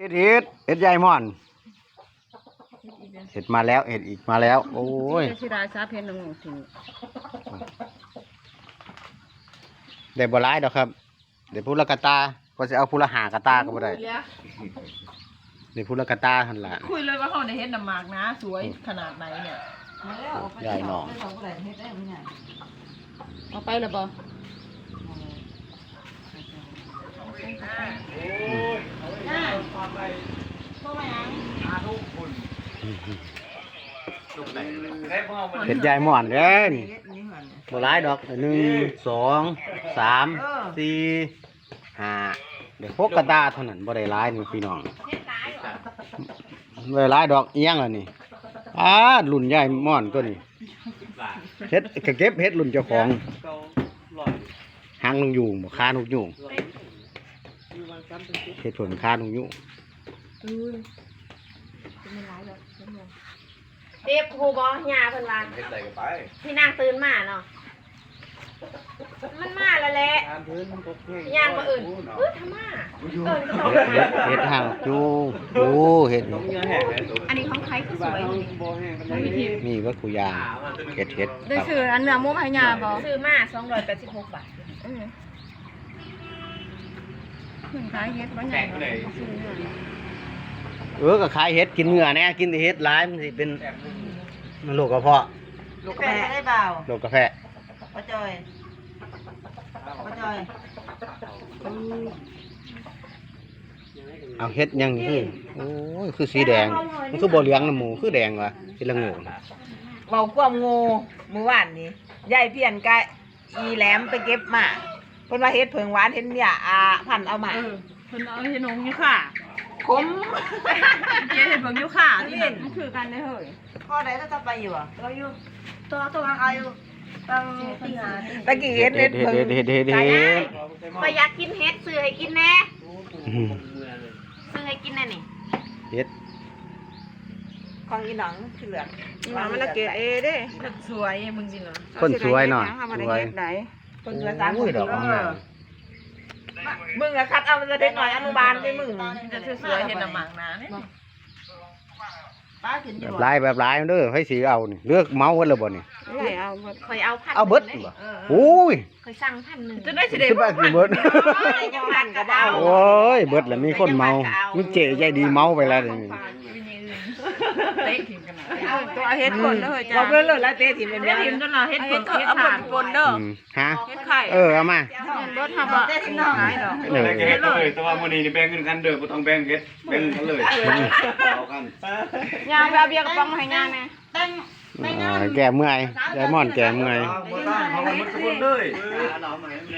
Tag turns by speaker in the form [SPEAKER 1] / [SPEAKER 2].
[SPEAKER 1] เห็ดใหญ่ม่อนเห็ดมาแล้วเห็ดอีกมาแล้วโอ้ย
[SPEAKER 2] สิได้ซาเพนนึงถึง
[SPEAKER 1] ได้บ่หลายดอกครับได้พูละกะตาก็จะเอาพูละหากะตาก็บ่ได้ได้พูละกะตาหั่นล่ะ
[SPEAKER 2] คุยเลยว่าเขาได้เฮ็ดน้ำหมากนะสวยขนาดไหนเนี่ย
[SPEAKER 1] ใหญ่หนอง
[SPEAKER 2] เอาไปแล้วบ่
[SPEAKER 1] เห็ดใหญ่ม่อนเด้อนี่บ่หลายดอก1 2 3 4 5ได้6กะตาเท่านั้นบ่ได้หลายนี่พี่น้องบ่ได้หลายดอกอีหยังล่ะนี่รุ่นใหญ่ม่อนตัวนี้เฮ็ดก็เก็บเฮ็ดรุ่นเจ้าของหางนกยูงบ่คานกยูงเฮ็ดผลคานกยูง
[SPEAKER 3] เด็บหูบอยาเพิ่นว่าพี่นางตื่นมาเนาะมันมาแล้วแหละย่างมาอื่นทำมา
[SPEAKER 1] เฮ็ดหางจูงโอ้เฮ็ด
[SPEAKER 3] อันนี้ของใครคือสวย
[SPEAKER 1] นี่ก็กูยาเฮ็ด
[SPEAKER 2] ได้ซื้ออันเนื้อหมูให้ยาบ่
[SPEAKER 3] ซื้อมา286 บาท
[SPEAKER 2] ขายเฮ็ดบ่ใหญ่
[SPEAKER 1] ก็ขายเฮ็ดกินเนื้อแน่กินแต่เฮ็ดหลายมันสิเป็นโรคกระเพาะ
[SPEAKER 3] ลูกกาแฟได้เปล่า
[SPEAKER 1] โรคกาแฟ
[SPEAKER 3] ป้าจอย
[SPEAKER 1] เอาเฮ็ดยังคือโอ้ยคือสีแดงมันคือบ่เหลืองน้ำหมูคือแดงวะเป็นละโง่
[SPEAKER 3] เบาความโง่มื้อวานนี้ยายเพี้ยนกะอีแหลมไปเก็บมาเพิ่นว่าเฮ็ดเผิงหวานเห็นเนี่ยพันเอามา
[SPEAKER 2] เพิ่นเอาเฮ็ดนงอยู่ค่ะ
[SPEAKER 3] ขม
[SPEAKER 2] เฮ็ดเบิ่งอยู่ค่ะที่นั่นมันคือกันได้เฮ้ย
[SPEAKER 3] พ่อใดจะไปอยู่อ่ะเราอยู่ตัวเอาอยู่ตั้งตีหาตะกี้เฮ็ดเพิ่งไปอยากกินเฮ็ดซื้อให้กินแน่ซื้อให้กินแน่นี่
[SPEAKER 1] เฮ็ด
[SPEAKER 3] ของอีหนังคือเหลือง
[SPEAKER 2] อีหนังมันละเกดเด้คนสวยมึงสิเนาะ
[SPEAKER 1] คนสวยเนาะสวย
[SPEAKER 3] คนสวย3คนดอกมึงอะคัดเอามันจะได้หน่อยอนุบาลได้มึง
[SPEAKER 2] จะสวยเฮ็ดน้ำหมากนะนี่
[SPEAKER 1] แบบลายเด้อให้สีเอานี่เลือกเมาเพิ่นแล้วบ่นี่
[SPEAKER 2] เอา
[SPEAKER 3] เคยเอาพัน
[SPEAKER 1] เอาเบิดบ่โอ้ย
[SPEAKER 3] เคยสั่ง1,000
[SPEAKER 2] จะได้สิได้
[SPEAKER 1] บ่เบิดโอ้ยเบิดแล้วมีคนเมามีเจ๊ใจดีเมาไปแล้วนี่
[SPEAKER 2] เตะถิ่มกันตัวเฮ็ดคนเด้อจ้า
[SPEAKER 3] บ่เบิ่งเลยแล้วเตะถิ่มเป็น
[SPEAKER 2] ถิ่มจนเราเฮ็ดคนเฮ็ดผ่านคนเด้อ
[SPEAKER 1] ฮะ
[SPEAKER 2] เฮ็ดไข่
[SPEAKER 1] เอามา
[SPEAKER 2] เบิดหาบ่เตะถิ่มน้อยดอก
[SPEAKER 4] เฮ็ดเลยแต่ว่ามื้อนี้นี่แบ่งเงินกันเด้อบ่ต้องแบ่งเฮ็ดแบ่งกันเลยเอากัน
[SPEAKER 2] ยาแบบเบียร์กระป๋องให้ยาแน่
[SPEAKER 1] แก่เมื่อยไดมอนด์แก่เมื่อย
[SPEAKER 4] บ่ต้องเขาหมดทุกคนเลย